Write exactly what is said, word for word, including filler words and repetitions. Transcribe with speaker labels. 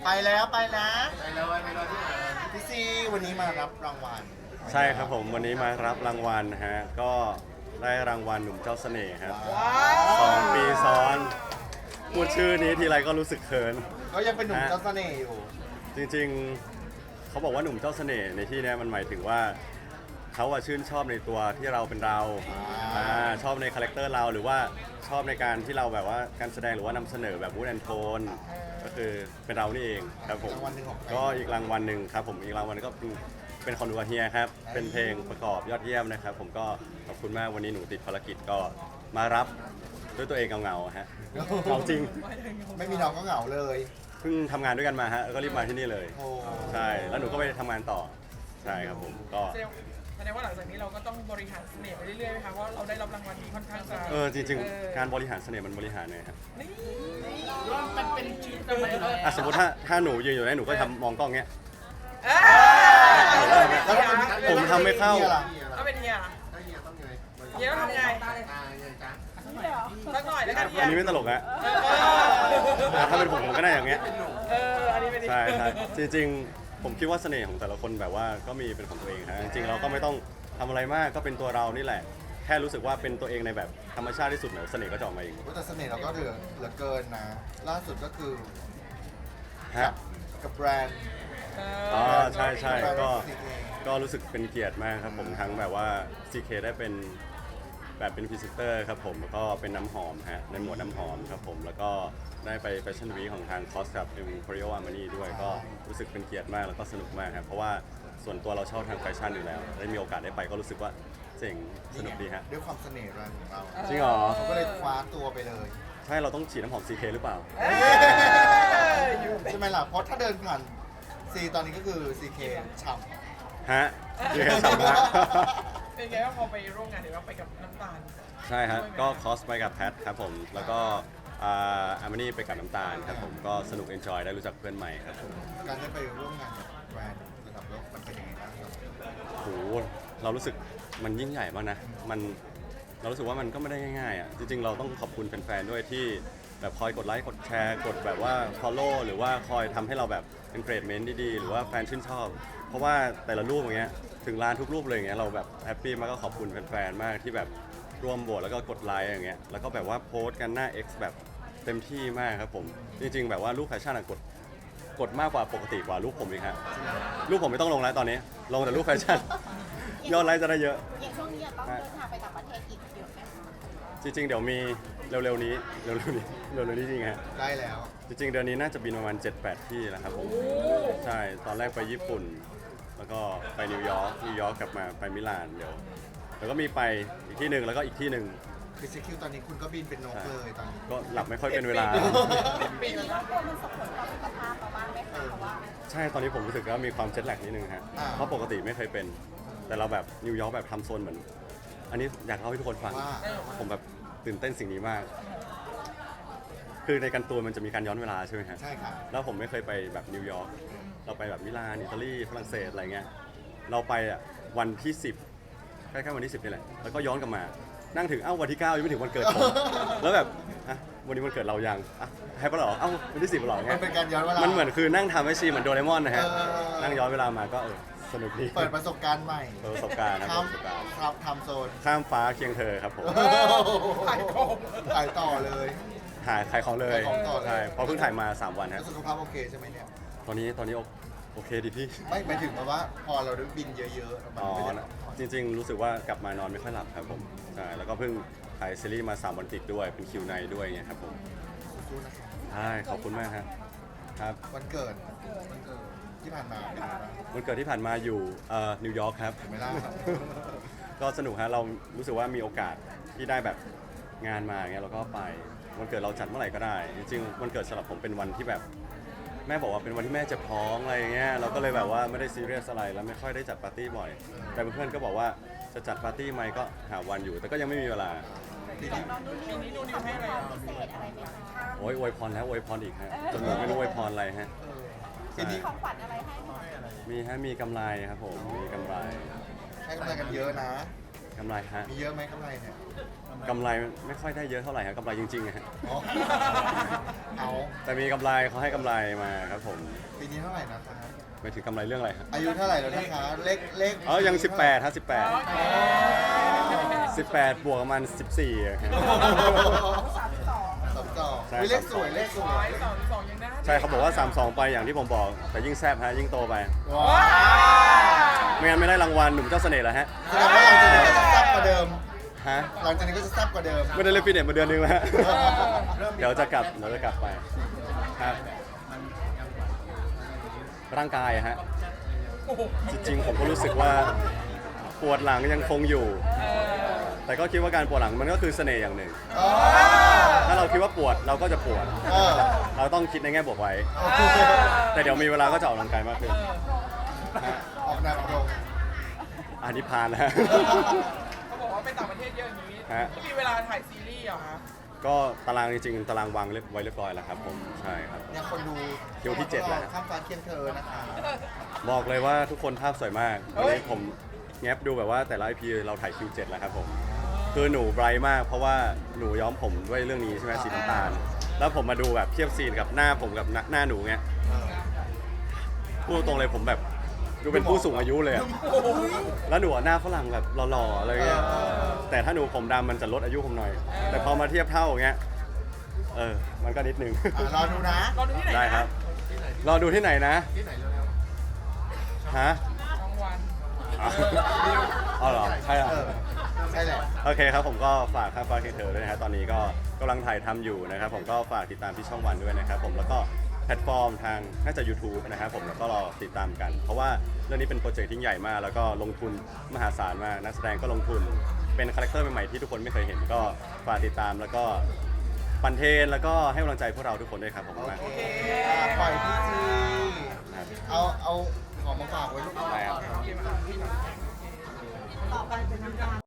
Speaker 1: ไปแล้วไปนะ
Speaker 2: ไปเลยไปเลยที่ไหน
Speaker 1: พี่ซีวันนี้มารับรางวัล
Speaker 3: ใช่ครับผมวันนี้มารับรางวัลฮะก็ได้รางวัลหนุ่มเจ้าเสน่ห์ครับสองปีซ้อนพูดชื่อนี้ทีไรก็รู้สึกเขิน
Speaker 1: เขายังเป็นหนุ่มเจ้าเสน่ห์อยู่
Speaker 3: จริงๆเขาบอกว่าหนุ่มเจ้าเสน่ห์ในที่นี้มันหมายถึงว่าเขาอะชื่นชอบในตัวที่เราเป็นเรา
Speaker 1: อ่า
Speaker 3: อ่าชอบในคาแรคเตอร์เราหรือว่าชอบในการที่เราแบบว่าการแสดงหรือว่านำเสนอแบบวูดแอนโทนก็คือเป็นเรานี่เองครับผม
Speaker 1: รางวัลหนึ่งของใคร
Speaker 3: ก็อีกรางวัลหนึ่งครับผมอีกรางวัลก็เป็นเป็นคอนดูอาเฮียครับเป็นเพลงประกอบยอดเยี่ยมนะครับผมก็ขอบคุณมากวันนี้หนูติดภารกิจก็มารับด้วยตัวเองเงาๆฮะเงาจริง
Speaker 1: ไม่มีน้องก็เหงาเลย
Speaker 3: เพิ่งทำงานด้วยกันมาฮะแล้วก็รีบมาที่นี่เลย
Speaker 1: โอ้
Speaker 3: ใช่แล้วหนูก็ไปทำงานต่อใช่ครับผมก็
Speaker 4: แสดงแสดงว่าหลังจากนี้เราก็ต้องบริหารเสน่ห์ไปเรื่อยๆไหมคะเพราะเราได้รับรางวัลนี้ค่อนข้างจะ
Speaker 3: เออจริงๆ การบริหารเสน่ห์มันบริหารไงครับ
Speaker 4: นี่มันเป็นชีวิตเลย
Speaker 3: อ่ะสมมติถ้าถ้าหนูยืนอยู่ไหนหนูก็ทำมองกล้องเงี้ย
Speaker 4: เอ้ย
Speaker 1: แล้วถ้าเป็น
Speaker 3: ผมทำไม่เข้า
Speaker 1: นี่ยล่ะ
Speaker 4: ถ้าเป็นเฮียล่ะ
Speaker 2: ถ้าเฮียต้องยังไง
Speaker 4: เฮียต้องทำไง
Speaker 2: ตายยังจ้า
Speaker 4: สักหน่อยแล้วกันเฮีย
Speaker 3: อันนี้ไม่ตลกฮะ
Speaker 4: เออ
Speaker 3: แต่ถ้าเป็นผมผมก็ได้อย่างเงี้ย
Speaker 4: เอออันนี้เป็น
Speaker 3: ใช่ใช่จริงๆ ผมคิดว่าเสน่ห์ของแต่ละคนแบบว่าก็มีเป็นของตัวเองฮะจริงๆเราก็ไม่ต้องทำอะไรมากก็เป็นตัวเรานี่แหละ แค่รู้สึกว่าเป็นตัวเองในแบบธรรมชาติที่สุดเดี๋ยวเสน่ห์ก็จะออกมาเอง
Speaker 1: แต่เสน่ห์เราก็เหลือเหลือเกินนะ ล่าสุดก็คือ
Speaker 3: ฮะ
Speaker 1: กับแบรนด์
Speaker 3: อ๋อใช่ใช่
Speaker 1: แบรนด์
Speaker 3: ก็
Speaker 1: ซีเค
Speaker 3: ก็รู้สึกเป็นเกียรติมากครับผมทั้งแบบว่า ซี เค ได้เป็นแบบเป็นพรีเซนเตอร์ครับผมแล้วก็เป็นน้ำหอมฮะในหมวดน้ำหอมครับผมแล้วก็ได้ไปแฟชั่นวีคของทางคอสกับ Emporio Armani ด้วยก็รู้สึกเป็นเกียรติมากแล้วก็สนุกมากครับเพราะว่าส่วนตัวเราชอบทางแฟชั่นอยู่แล้ว ได้มีโอกาสได้ไปก็รู้สึกว่าเจ๋งสนุกดีฮะ
Speaker 1: ด้วยความเสน่ห์แรงของเรา
Speaker 3: จริงเหรอ
Speaker 1: เขาก็เลยคว้าตัวไปเลย
Speaker 3: ใช่เราต้องฉีดน้ำหอม ซี เค หรือเปล่า
Speaker 1: ใช่ไหมล่ะ เพราะถ้าเดินผ่านซีตอนนี้ก็คือ ซี เค ฉ่
Speaker 3: ฮะซี เค ฉ่ำมาก
Speaker 4: เป็นไงบ้างพอไปร่วมงานเดี๋ยวเราไปกับน้ำตาล
Speaker 3: ใช่ฮะก็คอสไปกับแพทครับผมแล้วก็อาร์มานี่ไปกับน้ำตาลครับผมก็สนุกเอนจอยได้รู้จักเพื่อนใหม่ครับผม
Speaker 1: ำการได้ไปร่วมงานกับแบรนด์ระดับโลกมันเป็นยังไงบ้างครับ
Speaker 3: โหเรารู้สึมันยิ่งใหญ่มากนะ มันเรารู้สึกว่ามันก็ไม่ได้ง่ายๆอ่ะ จริงๆ เราต้องขอบคุณแฟนๆ ด้วยที่แบบคอยกดไลค์ กดแชร์ กดแบบว่า follow หรือว่าคอยทำให้เราแบบเป็นเกรดเมนต์ดีๆ หรือว่าแฟนชื่นชอบ เพราะว่าแต่ละรูปอย่างเงี้ย ถึงร้านทุกรูปเลยอย่างเงี้ย เราแบบแฮปปี้มากก็ขอบคุณแฟนๆ มากที่แบบร่วมโหวตแล้วก็กดไลค์อย่างเงี้ย แล้วก็แบบว่าโพสต์กันหน้า X แบบเต็มที่มากครับผม จริงๆ แบบว่ารูปแฟชั่นอะกดกดมากกว่าปกติกว่ารูปผมอีกฮะรูปผมไม่ต้องลงแล้วตอนนี้ ลงแต่รูปแฟชั่น ยอดไลค์จะได้เยอะ
Speaker 5: อย่างช่วงนี้ต้องเดินทางไปต่างประเทศอีกเยอะไหมคะ
Speaker 3: จริงๆ เดี๋ยวมีเร็วๆนี้เร็วๆนี้เร็วๆนี้จริงฮะ
Speaker 1: ได้แล้ว
Speaker 3: จริงๆ เดือนนี้น่าจะบินประมาณ เจ็ดแปด ที่แล้วครับผมใช่ตอนแรกไปญี่ปุ่น แล้วก็ไปนิวยอร์กนิวยอร์กกลับมาไปมิลานเดี๋ยวแล้วก็มีไปอีกที่หนึ่งแล้วก็อีกที่หนึ่ง
Speaker 1: คือซีคิวตอนนี้คุณก็บินเป็นนกเลยตอนนี้
Speaker 3: ก็หลับไม่ค่อยเป็นเวลา
Speaker 5: ปีนี้ก็กลัวมันส่งผลต่อสุขภาพเราบ้างไหมคะเพราะว่า
Speaker 3: ใช่ตอนนี้ผมรู้สึกว่ามีความเจ็ตแลกนิดนึงฮะเพราะปกติไม่เคยเป็น แต่เราแบบนิวยอร์กแบบทำโซนเหมือน อันนี้อยากเล่าให้ทุกคนฟัง
Speaker 1: ว่า
Speaker 3: ผมแบบตื่นเต้นสิ่งนี้มาก คือในการตัวมันจะมีการย้อนเวลาใช่ไหมฮะ
Speaker 1: ใช่ค่ะ
Speaker 3: แล้วผมไม่เคยไปแบบนิวยอร์ก เราไปแบบมิลาน อิตาลี ฝรั่งเศสอะไรเงี้ย เราไปอ่ะวันที่สิบใกล้ๆวันที่สิบนี่แหละ แล้วก็ย้อนกลับมา นั่งถึง เอ้าวันที่เก้ายังไม่ถึงวันเกิดผม แล้วแบบอ่ะวันนี้วันเกิดเรายังอ่ะให้ปะเหรอ เอ้าวันที่สิบเหรอ
Speaker 1: มั
Speaker 3: เงี้
Speaker 1: น
Speaker 3: ย
Speaker 1: เป็นการย้อนเวลา
Speaker 3: มันเหมือนคือนั่งทำให้ชีเหมือนโดเรมอนนะฮะ
Speaker 1: เออ
Speaker 3: นั่งย้อนเวลามาก็เออสนุกดี
Speaker 1: เปิดประสบการณ์ใหม่
Speaker 3: เปิดประสบการณ์นะ
Speaker 1: ข้าม
Speaker 3: ประสบการณ์
Speaker 1: ครับทำโซน
Speaker 3: ข้ามฟ้าเคียงเธอครับผม
Speaker 1: ถ่ายต่อถ่ายต่อเลย
Speaker 3: ถ่ายขายของเลย
Speaker 1: ขายของต่อเลย
Speaker 3: ใช่เพราะเพิ่งถ่ายมาสามวัน
Speaker 1: แล้
Speaker 3: ฮะ
Speaker 1: วสุขภาพโอเคใช่ไหมเนี่ย
Speaker 3: ตอนนี้ตอนนี้โอโอเคดีพี่
Speaker 1: ไม่หมายถึงว่าพอเราได้บินเยอะๆมัน
Speaker 3: อ๋อ
Speaker 1: ไม่ได้
Speaker 3: นะจริงๆ รู้สึกว่ากลับมานอนไม่ค่อยหลับครับผมใช่แล้วก็เพิ่งถ่ายซีรีส์มาสามวันติดด้วยเป็นคิวไนด้วยไงครับผม
Speaker 1: สู้ๆนะครับ
Speaker 3: ใช่ขอบคุณมากครับครับ
Speaker 1: วันเกิดวันเกิดที่ผ่านมาเป็นไงบ้าง
Speaker 3: วันเกิดที่ผ่านมาอยู่เอ่อนิวยอร์กครับ
Speaker 1: เห็นไหมล่ะ
Speaker 3: ก็สนุกฮะเรารู้สึกว่ามีโอกาสที่ได้แบบงานมาอย่างเงี้ยเราก็ไปวันเกิดเราจัดเมื่อไหร่ก็ได้ จริงๆวันเกิดสำหรับผมเป็นวันที่แบบ แม่บอกว่าเป็นวันที่แม่เจ็บท้องอะไรอย่างเงี้ยเราก็เลยแบบว่าไม่ได้ซีเรียสอะไรแล้วไม่ค่อยได้จัดปาร์ตี้บ่อย แต่เพื่อนๆก็บอกว่าจะจัดปาร์ตี้ไหมก็หาวันอยู่ แต่ก็ยังไม่มีเวลา
Speaker 1: ทีนี้
Speaker 5: น้องนุ่นนิวมีความพิเศษอะไรไหมคะ
Speaker 3: โอ้ยอวยพรแล้วอวยพรอีกฮะจนผมไม่รู้อวยพรอะไรฮะ
Speaker 1: เออ
Speaker 3: ใช่
Speaker 1: ทีนี้
Speaker 5: ของขวัญอะไรให้ไหม
Speaker 3: มีฮะมีกำไรครับผมมีกำไร
Speaker 1: ให้กำลังกันเยอะนะ
Speaker 3: คกำไรฮะ
Speaker 1: มีเยอะไหมกำไรเนี่ย
Speaker 3: กำไรไม่ค่อยได้เยอะเท่าไหร่ฮะกำไรจริงๆอะฮะ
Speaker 1: อ๋อเอา
Speaker 3: แต่มีกำไรเขาให้กำไรมาครับผม
Speaker 1: ปีนี้เท่าไหร่นะคะ
Speaker 3: ไม่ถึงกำไรเรื่องอะไรฮะ
Speaker 1: อายุเท่าไหร่แล้วนะคะเลขเลข
Speaker 3: อ๋อยังสิบแปดฮะสิบแปด สิบแปดบวกประมาณสิบสี่อะครับ
Speaker 5: สามสอง
Speaker 1: สามสอง
Speaker 3: ใช่
Speaker 1: มีเลขสวยเลขสว
Speaker 4: ร้อย ยสองสองยังได้
Speaker 3: ใช่เขาบอกว่าสามสองไปอย่างที่ผมบอก แต่ยิ่งแซบฮะยิ่งโตไป
Speaker 1: ว้า
Speaker 4: ว้าว
Speaker 3: ไม่งั้นไม่ได้รางวัลหนุ่มเจ้าเสน่ห์แล้วฮะ
Speaker 1: แสดงว่าหลังจากนี้ก็จะแซ่บกว่าเดิม
Speaker 3: ฮะ
Speaker 1: หลังจากนี้ก็จะแซ่บกว่าเดิม
Speaker 3: ไม่ได้เล่นฟิตเนสมาเดือนนึงแล้วฮะ
Speaker 2: เริ่มมี
Speaker 3: เดี๋ยวจะกลับเดี๋ยวจะกลับไปครับ
Speaker 2: มันยังไหว
Speaker 3: ร่างกายอะฮะ
Speaker 4: โอ้โห
Speaker 3: จริงๆผมก็รู้สึกว่าปวดหลังยังคงอยู่
Speaker 4: เออ
Speaker 3: แต่ก็คิดว่าการปวดหลังมันก็คือเสน่ห์อย่างหนึ่ง
Speaker 1: อ๋อ
Speaker 3: ถ้าเราคิดว่าปวดเราก็จะปวด
Speaker 1: เออ
Speaker 3: เราต้องคิดในแง่บวกไว้
Speaker 1: โอเค
Speaker 3: แต่เดี๋ยวมีเวลาก็จะออกกำลังกายมากขึ้น
Speaker 4: เออ
Speaker 3: ฮะ
Speaker 1: ออกแนวตรง
Speaker 3: อันนี้พานแล้วฮะ
Speaker 4: เขาบอกว่าไปต่างประเทศเยอะอย่างนี้
Speaker 3: ฮะ
Speaker 4: ไม่มีเวลาถ่ายซีรีส์เหรอคะ
Speaker 3: ก็ตารางจริงๆตารางวางเรียบไว้เรียบร้อยแล้วครับผมใช่ครับ
Speaker 1: เนี่ยคนดู
Speaker 3: คิวที่เจ็ดแล้ว
Speaker 1: ข้ามฟ้าเคียงเธอนะคะ
Speaker 3: บอกเลยว่าทุกคนภาพสวยมากวันนี้ผมแงบดูแบบว่าแต่ละ ไอ พี เราถ่ายคิวเจ็ดแล้วครับผมคือหนูไบรท์มากเพราะว่าหนูย้อมผมด้วยเรื่องนี้ใช่ไหมสีน้ำตาล แล้วผมมาดูแบบเทียบซีนกับหน้าผมกับหน้าหน้าหนูไง
Speaker 1: เออ
Speaker 3: พูดตรงๆเลยผมแบบดูเป็นผู้สูงอายุเลยอะแล้วหนูอะหน้าฝรั่งแบบหล่อๆอะไรเงี้ยแต่ถ้าหนูผมดำมันจะลดอายุผมหน่อย แต่พอมาเทียบเท่าอย่างเงี้ยเออมันก็นิดนึง
Speaker 1: อ่ะรอดูนะ
Speaker 4: รอดูที่ไหนนะ
Speaker 3: ได้ครับ รอดูที่ไหนนะ
Speaker 2: ที่ไหนเร็ว
Speaker 3: ฮะ
Speaker 4: รางวัล
Speaker 3: อ๋ออ๋อเหรอใช่เหรอ
Speaker 1: เออ ใช่แหละ
Speaker 3: โอเคครับผมก็ฝากข้ามฟ้าเคียงเธอด้วยนะฮะตอนนี้ก็กำลังถ่ายทำอยู่นะครับผมก็ฝากติดตามที่ช่องวันด้วยนะครับผมแล้วก็แพลตฟอร์มทางน่าจะ YouTube นะครับผมแล้วก็รอติดตามกัน เพราะว่าเรื่องนี้เป็นโปรเจกต์ที่ใหญ่มาก แล้วก็ลงทุนมหาศาลมากนักแสดงก็ลงทุนเป็นคาแรคเตอร์ใหม่ๆที่ทุกคนไม่เคยเห็นก็ฝากติดตามแล้วก็ปั่นเทรนแล้วก็ให้กำลังใจพวกเราทุกคนด้วยครับผม
Speaker 1: โอ
Speaker 3: มาก
Speaker 1: เคอ่ะปล่อยพี่จี
Speaker 3: ครับ
Speaker 1: เอาเอาของมาฝากไว้ลูก
Speaker 3: ได้ครับ
Speaker 4: โอเคมาพี่หน่อย
Speaker 5: ต่อไปเป็นน้ำตาล